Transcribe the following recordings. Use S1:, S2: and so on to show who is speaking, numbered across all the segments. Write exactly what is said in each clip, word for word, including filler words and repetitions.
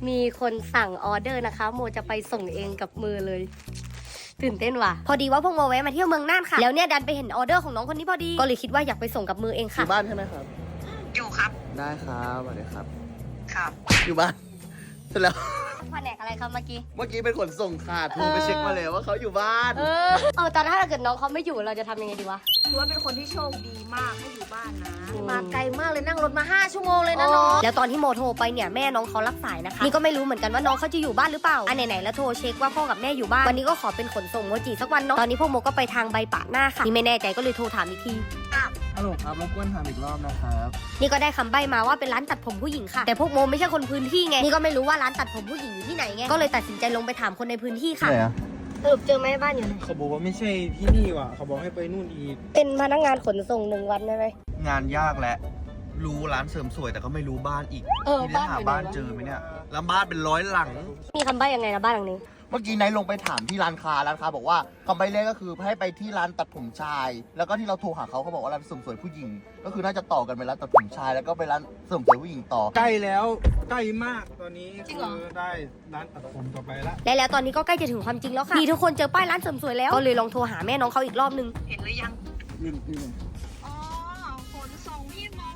S1: มีคนสั่งออเดอร์นะคะโมจะไปส่งเองกับมือเลยตื่นเต้นว่ะพอดีว่าพวกโมแวะมาเที่ยวเมืองน่านค่ะแล้วเนี่ยดันไปเห็นออเดอร์ของน้องคนนี้พอดีก็เลยคิดว่าอยากไปส่งกับมือเอง
S2: อ
S1: ค่ะ
S2: ยู่บ้านใช่ไหมครับ
S3: อยู่ครับ
S2: ได้ครับสวัสดีครับ
S3: ครับ
S2: อยู่บ้านเสร็จแล้ว
S1: แผนกอะไรครับเมื่อกี้
S2: เมื่อกี้เป็นขนส่งขาดโทรไปเช็คมาเลยว่าเขาอยู่บ้าน
S1: เออเออแต่ถ้าเกิดน้องเขาไม่อยู่เราจะทำยังไงดีวะ
S3: ถือว่าเป็นคนที่โชคดีมากให้อยู่บ้านนะ
S1: อืม
S3: มาไกลมากเลยนั่งรถมาห้าชั่วโมงเลยนะน้อง
S1: แล้วตอนที่โมโทรไปเนี่ยแม่น้องเขารับสายนะคะนี่ก็ไม่รู้เหมือนกันว่าน้องเขาจะอยู่บ้านหรือเปล่าอันไหนๆแล้วโทรเช็คว่าพ่อกับแม่อยู่บ้านวันนี้ก็ขอเป็นขนส่งโมจิสักวันเนาะตอนนี้พวกโมก็ไปทางใบปะหน้าค่ะนี่ไม่แน่ใจก็เลยโทรถามอีกที
S2: ฮัลโหลครับรบกวนถามอีกรอบนะครับ
S1: นี่ก็ได้คำใบ้มาว่าเป็นร้านตัดผมผู้หญิงค่ะแต่พวกโมไม่ใช่คนพื้นที่ไงนี่ก็ไม่รู้ว่าร้านตัดผมผู้หญิงอยู่ที่ไหนไงก็เลยตัดสินใจลงไปถามคนในพื้นที่ค่ะ
S2: ไหนอะ
S1: สรุปเจอไหมบ้านอยู่ไหน
S4: เขาบอกว่าไม่ใช่ที่นี่ว่ะเขาบอกให้ไปนู่นอีก
S1: เป็นพนักงานขนส่งหนึ่งวันได้ไหม
S2: งานยากแหละรู้ร้านเสริมสวยแต่ก็ไม่รู้บ้านอีก
S1: เออ
S2: ที่ได้หา
S1: บ้าน
S2: บ้าน
S1: อยู่ไหนวะ
S2: เจอไหมเนี่ยแล้วบ้านเป็นร้อยหลัง
S1: มีคำใบ้ยังไงนะบ้านหลังนี้
S2: เมื่อกี้ไนท์ลงไปถามที่ร้านค้าร้านค้าบอกว่าคำใบ้แรกก็คือให้ไปที่ร้านตัดผมชาย แล้วก็ที่เราโทรหาเขาเขาบอกว่าร้านเสริมสวยผู้หญิง ก็คือน่าจะต่อกันไปร้านตัดผมชาย แล้วก็ไปร้านเสริมสวยผู้หญิงต่อ
S4: ใกล้แล้วใกล้มากตอนนี้
S1: จริงเหรอ
S4: คือได้ร้านตัดผมต่อไปละ
S1: และแล้วตอนนี้ก็ใกล้จะถึงความจริงแล้วค่ะนี่ทุกคนเจอป้ายร้านเสริมสวยแล้วก็เลยลองโทรหาแม่น้องเขาอีกรอบนึง
S3: เห็นหรือยัง
S2: นี่นี่
S3: อ๋อขนส่งพี่โม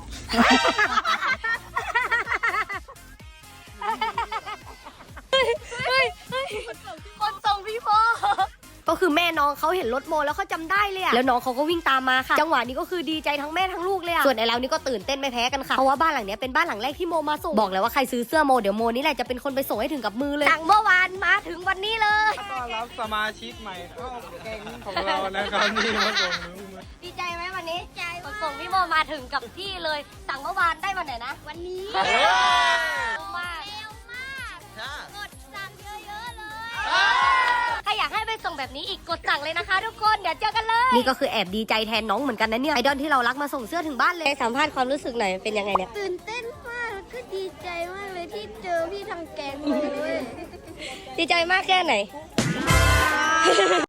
S1: คนส่งพี่โมก็คือแม่น้องเขาเห็นรถโมแล้วเขาจำได้เลยอะแล้วน้องเขาก็วิ่งตามมาค่ะจังหวะนี้ก็คือดีใจทั้งแม่ทั้งลูกเลยอะส่วนไอ้เรานี่ก็ตื่นเต้นไม่แพ้กันค่ะเพราะว่าบ้านหลังเนี้ยเป็นบ้านหลังแรกที่โมมาส่งบอกแล้วว่าใครซื้อเสื้อโมเดี๋ยวโมนี่แหละจะเป็นคนไปส่งให้ถึงกับมือเลยจากเมื่อวานมาถึงวันนี้เลย
S4: ต้อนรับสมาชิกใหม่เข้าแก๊งของเรานะครับนี่มาส่งมือมา
S1: ดีใจไหมวันนี้ใจขนส่งพี่โมมาถึงกับที่เลยสั่งเมื่อวานได้วันไหนนะวันนี้เร็วมาก
S2: จ้าก
S1: ดสั่งเยอะๆเลยถ้าอยากให้ไปส่งแบบนี้อีกกดสั่งเลยนะคะทุกคนเดี๋ยวเจอกันเลยนี่ก็คือแอบดีใจแทนน้องเหมือนกันนะเนี่ยไอดอลที่เรารักมาส่งเสื้อถึงบ้านเลยสัมภาษณ์ความรู้สึกหน่อยเป็นยังไงเนี่ย
S5: ตื่นเต้นมากแล้วก็ดีใจมากเลยที่เจอพี่ทางแก๊งเลย
S1: ดีใจมากแค่ไหน